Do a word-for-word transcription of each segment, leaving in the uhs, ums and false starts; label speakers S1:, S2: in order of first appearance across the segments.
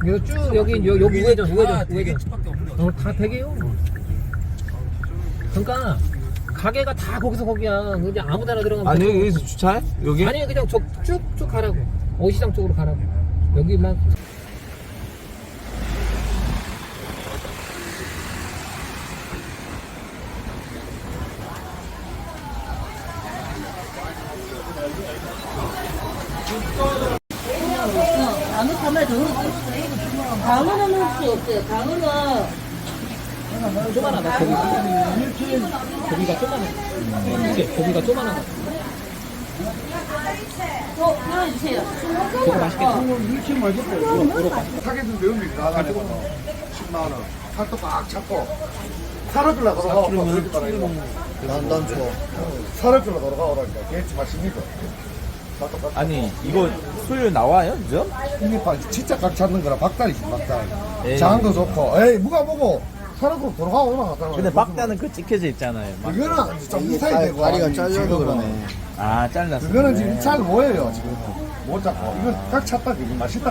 S1: 이거 쭉 여기 여, 여기 우회전 우회전 우회전
S2: 대게집밖에 없는 거.
S1: 어, 다 되게요. 그러니까 가게가 다 거기서 거기야. 그냥 아무데나 들어가면
S3: 아니
S1: 돼.
S3: 여기서 주차해? 여기?
S1: 아니 그냥 쭉쭉 가라고. 어시장 쪽으로 가라고. 여기만.
S4: 강어 가만 더 강어는 혹시 없어요? 강어는
S1: 조만하다. 고기. 고기가 조만해. 이게 고기가 조만하다.
S4: 어 넣어주세요.
S1: 저거 맛있겠다.
S5: 타겟은 매운맛이 나가지고 십만 원. 살도 꽉 잡고 살을 끌러 걸어가. 난, 난 좋아. 살을 끌러 걸어가 오라니까. 그게 맛있니까.
S3: 아니 이거 수율 나와요? 저?
S5: 흰잎밥 진짜 꽉 잡는 거라 박달이지 박달.
S3: 에이.
S5: 장도 좋고. 에이 누가 보고 살을 끌어 돌아가 오라.
S3: 근데 박자는 그 찍혀져 있잖아요. 막.
S5: 이거는 좀 이사이 되고 다리가 잘려도 그러네.
S3: 아 잘랐어.
S5: 그거는 지금 잘 보여요 지금. 못 잡고. 이거 꽉 찼다. 이거 맛있다.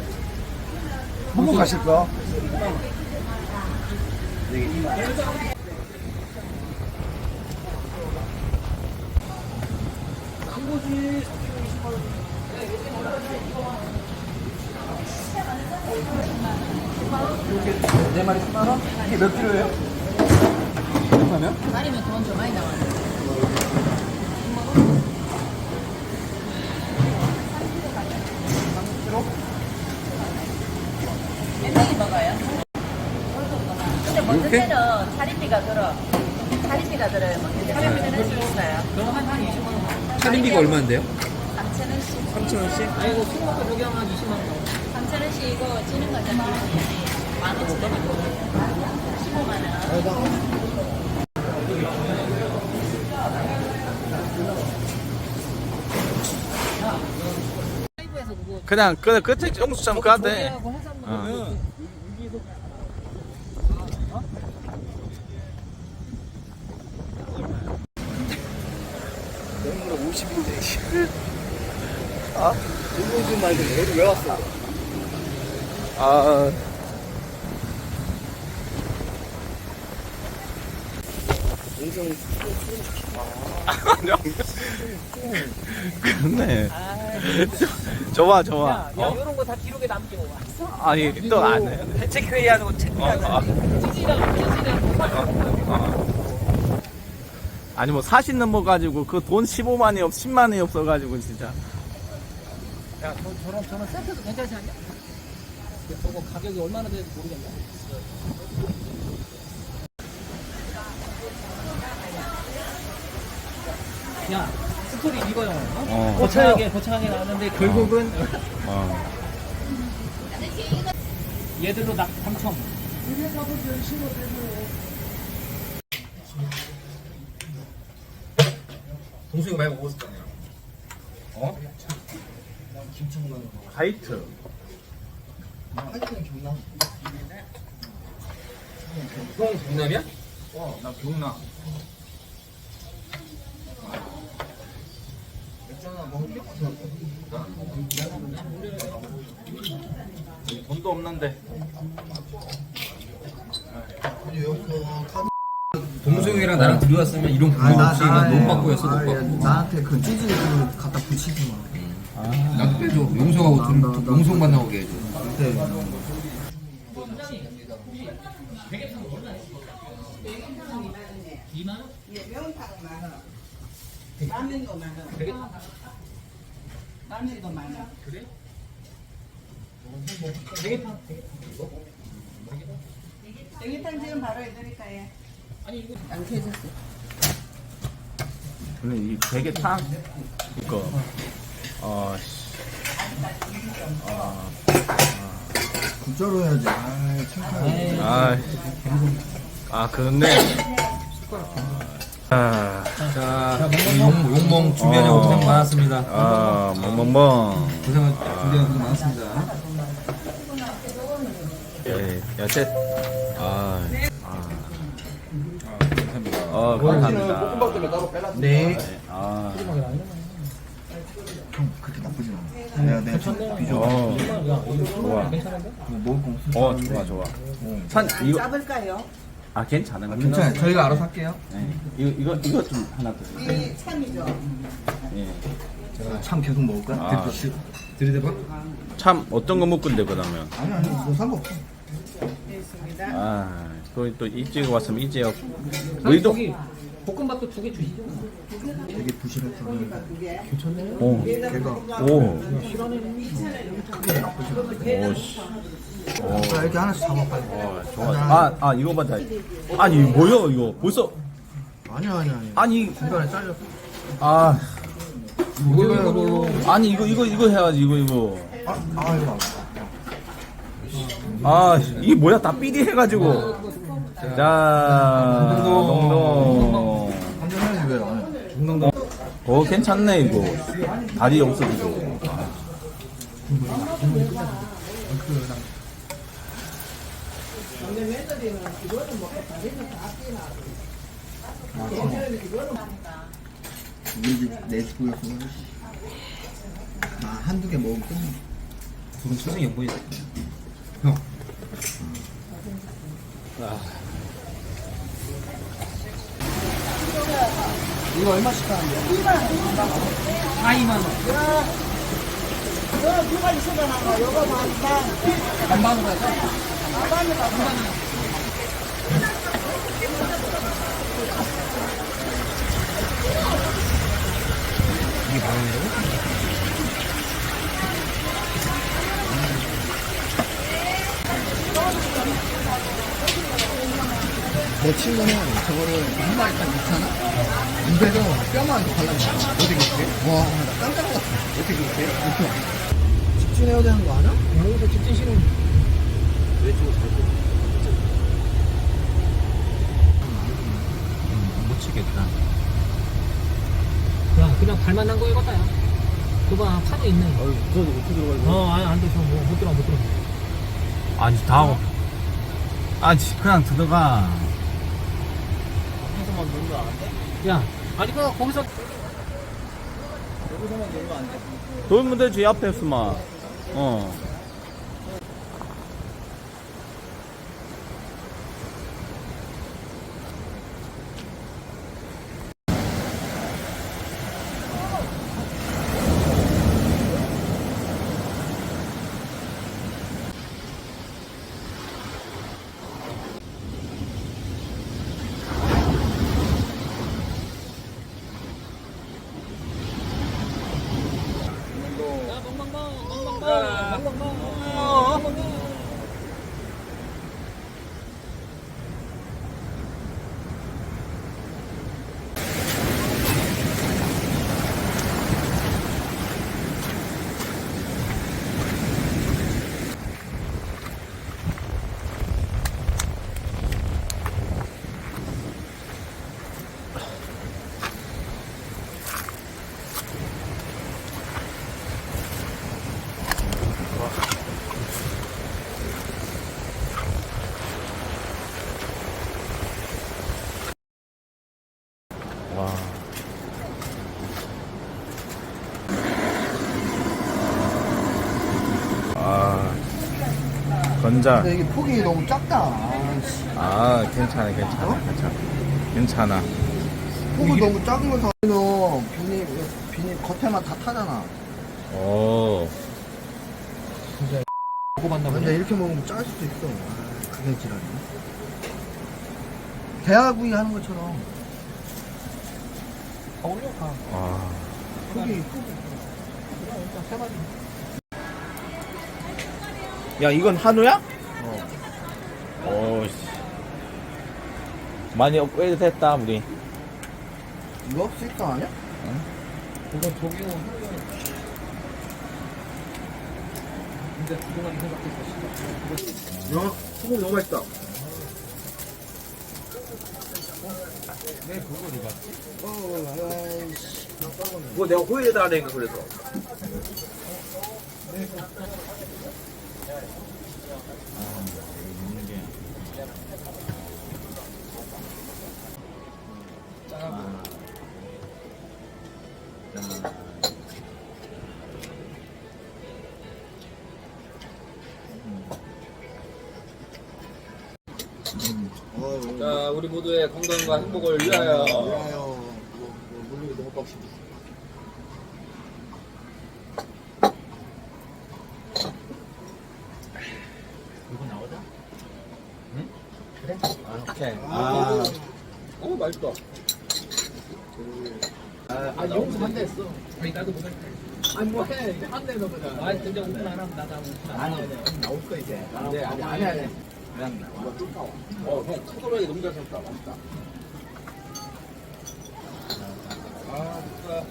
S5: 먹고 가실 거?
S3: 네 마리 십만 원? 이게 몇 킬로예요?
S4: 말이면 돈 좀 많이 나와요. 몇 명이 먹어요? 근데 먼저 때는 차림비가 들어. 차림비가 들어요. 먼저 차림비는 할수 있어요.
S1: 그럼 한한 이십만 원.
S2: 차림비가 얼마인데요?
S4: 삼천 원씩.
S2: 삼천 원씩?
S1: 아이고 술 먹고 저기 하면 한 이십만 원.
S4: 삼천 원씩 이거 찌는 거잖아요. 만 오천 원. 십오만 원.
S1: 라이브에서 그거
S3: 그냥 그 끝에 영수증 그한테.
S1: 조개하고 해산물
S3: 어.
S5: 아? 이거 말고 여기 왜 왔어?
S3: 아. 그렇네. 좋아 좋아.
S1: 야, 야 이런 거 다 기록에 남기고 와.
S3: 아니 또 안 해.
S1: 대책 회의하는 거 체크하는
S3: 어, 어.
S1: 찌질하고 찌질하고
S3: 어. 아니 뭐 사십 넘어 가지고 그 돈 십오만이 없 십만이 없어 가지고 진짜.
S1: 야, 저, 저런 저런 세트도 괜찮지 않냐? 저거 가격이 얼마나 되는지 모르겠네. 야, 스토리 이거 영화. 어?
S3: 어.
S1: 거창하게 거창하게 나왔는데 결국은
S3: 어.
S1: 얘들로 낙 당첨.
S2: 동수이가 많이 먹었을 거 아니야. 어?
S3: 하이트.
S2: 형 경남이야?
S3: 어, 나 기억나. 돈도 없는데.
S2: 동수이랑 나랑 둘이 왔으면 이런 부담 없이 나 너무 바꾸였어. 너무 바꾸.
S6: 나한테 그 찌질이 그걸 갖다 붙이지 마.
S2: 나 빼줘. 용서하고 좀 용서만 나오게 해줘.
S6: 그때
S7: 라면도 많아. 라면도 많아.
S1: 그래? 대게탕.
S7: 대게탕 지금 바로 해드릴까요?
S1: 아니 이거
S7: 안 켜졌어.
S3: 근데 이 대게탕 이거 어 씨.
S6: 국자로 해야지. 아, 착하게.
S3: 아. 아, 그렇네. 아.
S2: 자, 우리 용, 용몽 준비하느라고
S3: 어.
S2: 고생 많았습니다.
S3: 아, 멍멍멍.
S2: 고생, 준비하느라고 고생 많았습니다.
S3: 예, 여태. 아. 아.
S2: 감사합니다.
S3: 어, 감사합니다.
S5: 볶음밥 때문에 따로 빼놨어.
S6: 네.
S3: 아.
S6: 형, 그렇게 나쁘지 않아. 내가, 내가 좀 비교.
S3: 어.
S1: 야, 이거
S3: 좋아.
S1: 괜찮은데?
S6: 먹을 거 없으면
S3: 어,
S6: 좋은데.
S3: 좋아, 좋아. 산, 이거,
S7: 잡을까요?
S3: 아, 괜찮아.
S6: 괜찮아요. 저희가 알아서 할게요.
S3: 네. 이거, 이거, 이거 좀 하나 더.
S7: 이 참이죠.
S3: 예.
S6: 제가 참 계속 먹을까?
S3: 아.
S6: 들- 들이대봐?
S3: 참, 어떤 거 먹건데, 그러면?
S6: 아니, 아니, 뭐 상관없어.
S7: 있습니다.
S3: 아, 또, 또 일찍 왔으면 일찍 하고.
S1: 사장님,
S3: 너희도,
S1: 저기 볶음밥도 두 개 주시죠.
S6: 되게 부실했어.
S7: 두 개.
S3: 오,
S6: 걔가.
S3: 오, 오, 씨. 오.
S6: 자, 이렇게 하나씩 잡아, 빨리.
S3: 어, 좋아. 아, 아, 이거 맞아. 아니, 뭐야, 이거. 벌써,
S6: 아니야, 아니야, 아니야.
S3: 아니,
S6: 중간에 잘렸어.
S3: 아,
S6: 이걸로 해, 이걸로.
S3: 아니, 이거, 이거, 이거 해야지, 이거, 이거.
S6: 아, 아, 이거.
S3: 아, 이게 뭐야, 다 삐디 해가지고. 자, 동동.
S6: 한잔 해야지, 왜 안 해? 중동동.
S3: 어, 괜찮네, 이거. 다리 없어지고.
S6: 우리 집 내 집구였으면. 아, 한두 개 먹으면 끝나.
S2: 두분 표정이 안 보이네. 형.
S1: 이거 얼마씩 하는데요? 이만 원. 아, 이만 원.
S7: 이거 누가 있어도 나가. 이거 반반.
S1: 반반으로 해서.
S7: 반반으로 반반.
S6: 내 친구는 저거를 한 마리 딱 넣잖아? 입에서 뼈만 이렇게 발라줘. 어떻게 그렇게? 와, 나 깜짝 놀랐어. 어떻게 그렇게? 이렇게. 집중해야 되는 거 아니야?
S1: 여기서 직진 싫은.
S2: 못 치겠다.
S1: 야, 그냥 발만 난 거에 갔다, 야. 그봐, 파도 있네.
S6: 어이, 저도 어떻게 들어가지?
S1: 어, 아니, 안 돼. 저 뭐, 못 들어, 못 들어.
S3: 아니, 다, 아니, 그냥 들어가.
S1: 야, 아니, 그, 거기서.
S3: 돌면 되지, 앞에서만. 어. 와. 아, 건자.
S6: 근데 이게 폭이 너무 작다. 아, 씨.
S3: 아, 괜찮아, 괜찮아, 괜찮아. 괜찮아.
S6: 폭이 너무 작은 거 사면 비닐, 비닐 겉에만 다 타잖아.
S3: 오.
S1: 보고 봤나 보네.
S6: 근데 이렇게 먹으면 짤 수도 있어. 아, 그게 지랄이야. 대하구이 하는 것처럼.
S1: 아, 올려, 가.
S3: 아.
S6: 폭이, 폭이.
S1: 일단 세 마리.
S3: 야, 이건 한우야? 어. 오씨. 많이 업그레이드 됐다, 우리.
S6: 이거 스익사 아니야?
S1: 이거 조기호 근데 그동안 생각했어.
S5: 야, 소금 너무 맛있다.
S2: 그거 내가 호일에다 하니까 그래서. 자, 우리 모두의 건강과 행복을 위하여.
S6: 좋아요. 뭐, 뭐, 물리기 너무 빡십니다.
S1: 이거 나오자.
S3: 오케이.
S6: 아,
S2: 어, 맛있다.
S1: 아, 용수 한 대 했어. 아니, 나도 못 할 때. 아니, 뭐 해. 이제 한대 넣어보자. 아니, 근데 오픈 안 하면 나도 오픈 안 해.
S6: 나올 거 이제.
S1: 네, 아니, 안 해야 돼.
S2: 어, 형, 카도라이 너무 잘 샀다. 맛있다. 아, 좋다.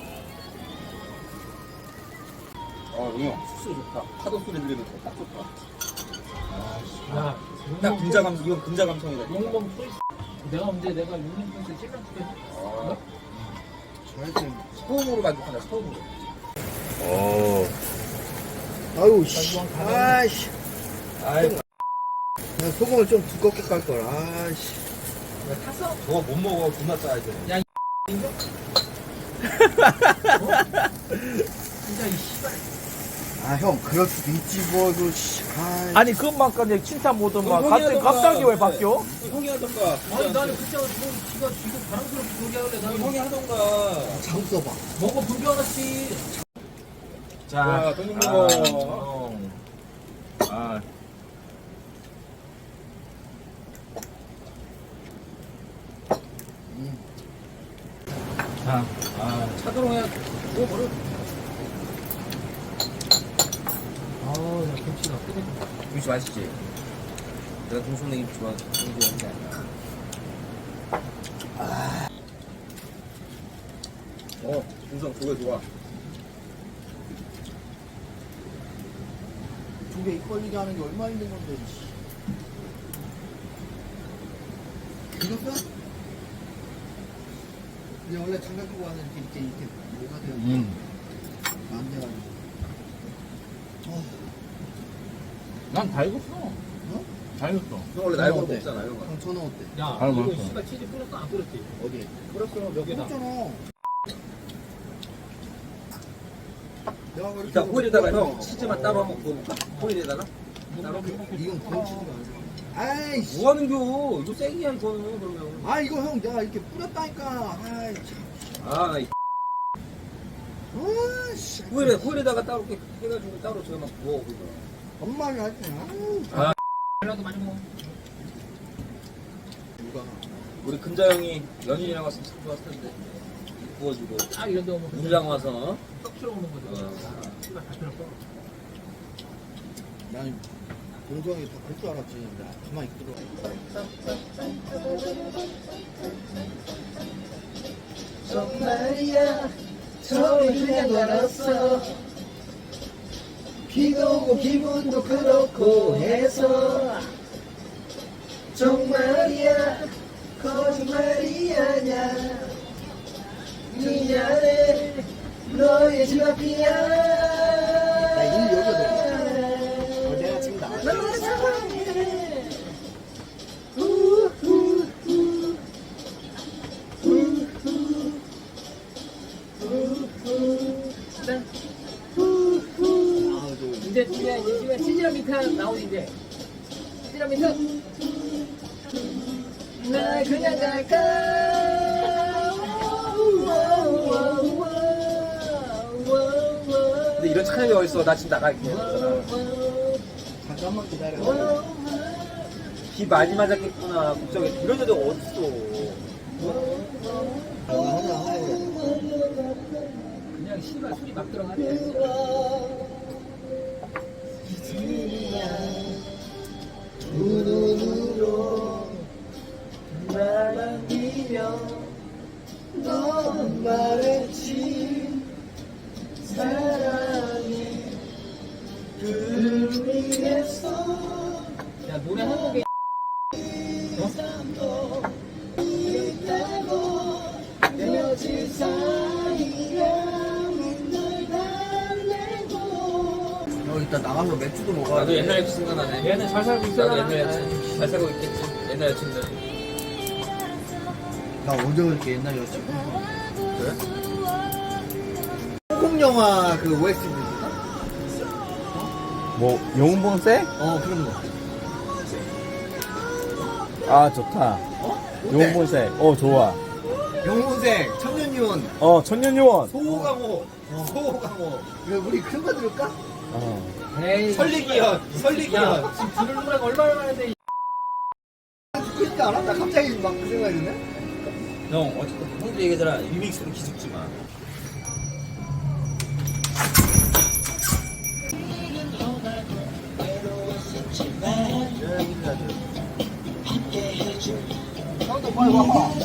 S2: 어, 형, 숙소 좋다. 파도 소리 들리면서 딱 좋다.
S1: 야,
S2: 딱 금자 감, 이건 금자 감성이다.
S1: 용봉 소리. 내가 언제 내가 용봉 소리 찔러 줄게.
S2: 아,
S6: 저한테.
S2: 처음으로 만족한다, 처음으로.
S3: 오.
S6: 아유, 씨. 아이씨.
S2: 아이,
S6: 나 소금을 좀 두껍게 깔걸. 아이씨.
S1: 탔어?
S2: 저거 못 먹어. 존나 짜야 돼.
S1: 야, 이거? 진짜 이 씨발.
S6: 아, 형, 그럴 수도 있지, 뭐, 그, 씨. 아이.
S3: 아니 그것만까지 칭찬 못하면
S2: 형이
S3: 갑자기
S2: 하던가.
S3: 갑자기 왜 바뀌어?
S2: 형이 하던가.
S1: 아니, 나는 그때 뭐, 지가 지금 바람스럽게 얘기하길래 나는
S2: 형이 하던가.
S6: 장 써봐.
S1: 먹어 불교하지.
S2: 자, 돈좀 먹어.
S3: 아. 자,
S1: 아, 차도로 해야 뭐 버려. 아우, 야, 김치가 끓여.
S2: 김치 맛있지? 내가 동성내 김치 좋아, 좋아하는 게 아니야. 어, 동성 그거 좋아.
S6: 두개 입 벌리게 하는 게 얼마나 힘든 건데, 씨. 익었어? 근데 원래 장갑 끼고 하는 이렇게, 이렇게, 이렇게, 뭐가 돼요?
S3: 음.
S6: 안 돼가지고. 어,
S3: 난 다 익었어.
S6: 어?
S3: 다 익었어.
S2: 형 원래 날고 먹잖아, 형.
S6: 형, 저는 어때?
S1: 야,
S3: 아,
S1: 이거
S3: 맛있어.
S1: 씨발 치즈 뿌렸어 안 뿌렸지?
S6: 어디?
S1: 뿌렸어 몇 개다.
S6: 그렇잖아. 내가 그렇게
S2: 이따 호일에다가
S6: 먹고
S2: 형 치즈만 따로 한번 구워볼까? 호일에다가? 따로?
S6: 이건 건치즈가 아니야. 아이씨.
S2: 뭐 하는겨? 이거 쌩이야, 이거는, 그러면.
S6: 아, 이거 형, 내가 이렇게 뿌렸다니까. 아이, 참.
S2: 아, 나 이
S6: 아이씨.
S2: 호일에, 호일에다가 따로 이렇게 해가지고 따로 제가 막 구워, 그거.
S6: 엄마가 하지. 아유.
S1: 달라도 많이 먹어.
S6: 누가.
S2: 우리 금자 형이 연인이랑 왔으면 참 좋았을 텐데. 구워주고.
S1: 딱 이런 데 오면
S2: 우리랑 와서.
S1: 쏙 들어오는 거지.
S2: 어.
S1: 씨발 다 필요 없어.
S6: 난 동성이 다 볼 줄 알았지. 나 가만히 있더라.
S7: 정말이야 처음에 그냥 걸었어 비도 오고 기분도 그렇고 해서 정말이야 거짓말이 아냐 미안해 너의 집 앞이야
S6: 나 이미 여기거든. 어, 내가 지금 나왔어.
S7: 널 사랑해 우후후 우후 우후 난 우후
S6: 아, 저.
S1: 이제 이제 이제 치즈랑 미탄 나오지 이제. 치즈랑 미탄.
S7: 나 그냥 갈까
S2: 근데 이런 차량이 어딨어? 나 지금 나갈게.
S6: 잠깐만 기다려.
S2: 비 많이 맞았겠구나. 걱정해. 이런 애들 어딨어?
S6: 하자, 하자.
S1: 그냥 씨발 술이 막 들어가네.
S7: 두 눈으로 날 안기며 넌 말했지 사랑해 그를 위해서
S1: 야 노래 한 곡에
S7: 도 있다고 헤어질 사이라면 널 달래고
S6: 형, 이따 나가서 맥주도 먹어야
S2: 나도
S6: 돼.
S2: 옛날 여친 생각나네.
S1: 얘는 잘 살고 있어.
S2: 나도 옛날 여친. 잘 살고 있겠지. 옛날 여친들.
S6: 나 언제 그렇게 옛날 여친. 그래? 홍콩 영화 그 오에스티 부르나?
S3: 뭐 용봉세?
S6: 어, 그런 거.
S3: 아 좋다. 용문색. 어 좋아.
S6: 영혼색, 천년유원,
S3: 어 천년유원.
S6: 소호강호, 소호강호. 이거 우리 큰 거 들을까?
S3: 어.
S1: 에이.
S6: 설리기현, 설리기현.
S1: 지금 들을 노래가 얼마나 많은데.
S6: 듣고 싶지 않아? 나 갑자기 막 그 생각이 드네?
S2: 형 어쨌든 형도 얘기하잖아. 리믹스로 기죽지 마.
S6: 형도 빨리 와봐.